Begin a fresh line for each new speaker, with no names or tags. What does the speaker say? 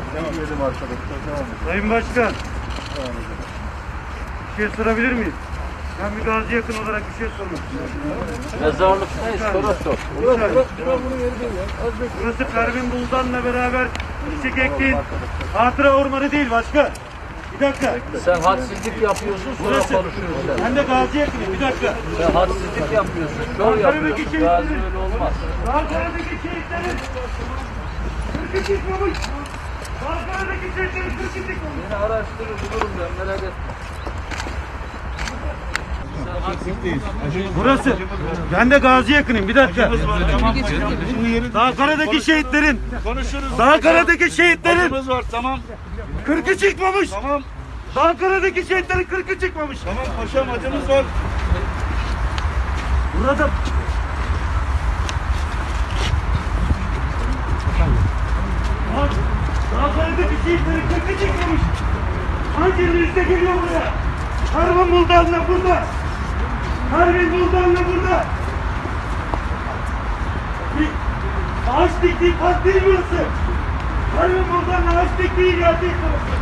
Devam edelim arkadaşlar. Devam edelim.
Sayın Başkan,
Devam edelim.
bir şey sorabilir miyim? Ben bir gazi yakın olarak bir şey sormak istiyorum.
Mezarlıktayız, soru sor.
Burası Pervin Buldan'la beraber çiçek ektiğin hatıra ormanı değil başkan. Bir dakika.
Sen hadsizlik yapıyorsun, sonra
Burası.
konuşuyorsun sen.
Ben de gazi yakınım. Bir dakika.
Sen hadsizlik yapıyorsun, şov yapıyorsun. Gazi öyle olmaz.
Ankara'daki şehitlerin 42 çıkmamış. Ankara'daki şehitlerin 42 çıkmamış.
Beni araştırır, bulurum ben, merak etme.
Burası. Ben de gazi yakınım. Bir dakika. Ankara'daki şehitlerin.
Konuşuruz.
Ankara'daki şehitlerin
Acımız var, tamam.
40'ı çıkmamış.
Tamam.
Ankara'daki şehitlerin 40'ı çıkmamış.
Tamam paşam, acımız var.
Burada Ankara'daki şehitlerin 40'ı çıkmamış. Hangi üstte geliyor buraya? Pervin Buldan'la burada. Pervin Buldan'la burada. Bir ağaç diktiği park değil burası. Pervin Buldan'la ağaç diktiği yer değil burası.